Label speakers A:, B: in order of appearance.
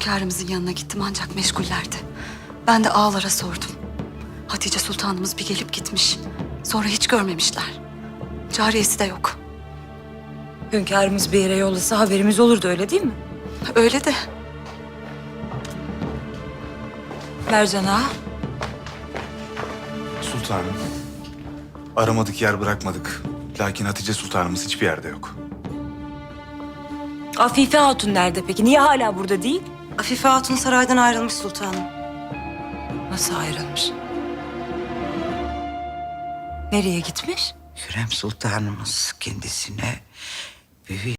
A: Hünkârımızın yanına gittim ancak meşgullerdi. Ben de ağalara sordum. Hatice Sultanımız bir gelip gitmiş. Sonra hiç görmemişler. Cariyesi de yok.
B: Hünkârımız bir yere yollasa haberimiz olurdu, öyle değil mi?
A: Öyle de
B: Mercan ağa.
C: Sultanım. Aramadık yer bırakmadık. Lakin Hatice Sultanımız hiçbir yerde yok.
B: Afife Hatun nerede peki? Niye hala burada değil?
D: Afife Hatun saraydan ayrılmış sultanım.
B: Nasıl ayrılmış? Nereye gitmiş?
E: Hürrem Sultanımız kendisine büyük